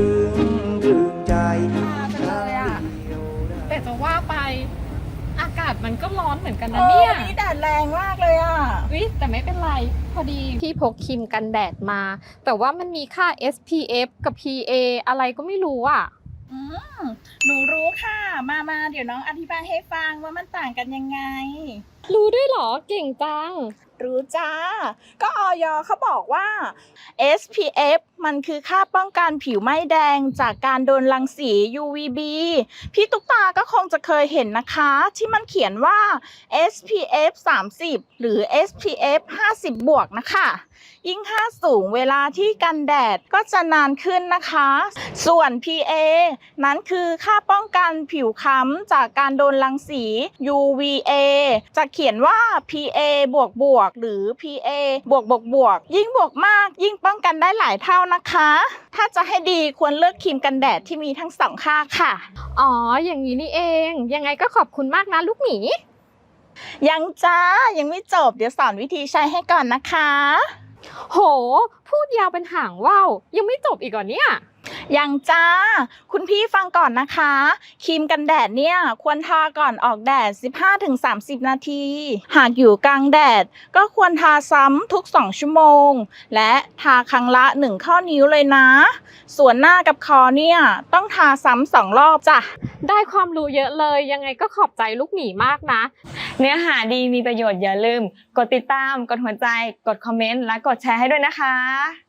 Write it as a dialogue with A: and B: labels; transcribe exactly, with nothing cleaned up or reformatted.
A: ถึงใจ
B: มาจังเลยอ่ะแต่จะว่าไปอากาศมันก็ร้อนเหมือนกันนะเนี่ย
C: นี่แดดแรงมากเลยอ่ะ
B: วิแต่ไม่เป็นไรพอดีพี่พกครีมกันแดดมา แต่ว่ามันมีค่า เอส พี เอฟ กับ พี เอ อะไรก็ไม่รู้อ่ะ
C: อืมหนูรู้ค่ะ มามาเดี๋ยวน้องอธิบายให้ฟังว่ามันต่างกันยังไง
B: รู้ด้วยเหรอเก่งจัง
C: รู้จ้า ก็ออยเขาบอกว่า เอส พี เอฟ มันคือค่าป้องกันผิวไหม้แดงจากการโดนรังสี ยู วี บี พี่ตุ๊กตาก็คงจะเคยเห็นนะคะ ที่มันเขียนว่า เอส พี เอฟ สามสิบ หรือ เอส พี เอฟ ห้าสิบ บวกนะคะ ยิ่งค่าสูงเวลาที่กันแดดก็จะนานขึ้นนะคะ ส่วน พี เอ นั้นคือค่าป้องกันผิวค้ำจากการโดนรังสี ยู วี เอ จะเขียนว่า พี เอ บวกบวกหรือ พี เอ บวกบวกบวกยิ่งบวกมากยิ่งป้องกันได้หลายเท่านะคะ ถ้าจะให้ดีควรเลือกครีมกันแดดที่มีทั้งสองค่าค่ะ
B: อ๋ออย่างนี้นี่เองยังไงก็ขอบคุณมากนะลูกหมี
C: ยังจ้ายังไม่จบเดี๋ยวสอนวิธีใช้ให้ก่อนนะคะ
B: โหพูดยาวเป็นหางว่าวยังไม่จบอีกเหรอเนี่ย
C: ยังจ้าคุณพี่ฟังก่อนนะคะครีมกันแดดเนี่ยควรทาก่อนออกแดด สิบห้าถึงสามสิบ นาที หากอยู่กลางแดดก็ควรทาซ้ำทุกสองชั่วโมงและทาครั้งละหนึ่งข้อนิ้วเลยนะส่วนหน้ากับคอเนี่ยต้องทาซ้ำสองรอบจ้ะ
B: ได้ความรู้เยอะเลยยังไงก็ขอบใจลูกหมีมากนะ
D: เนื้อหาดีมีประโยชน์อย่าลืม กดติดตาม กดหัวใจ กดคอมเมนต์ และกดแชร์ให้ด้วยนะคะ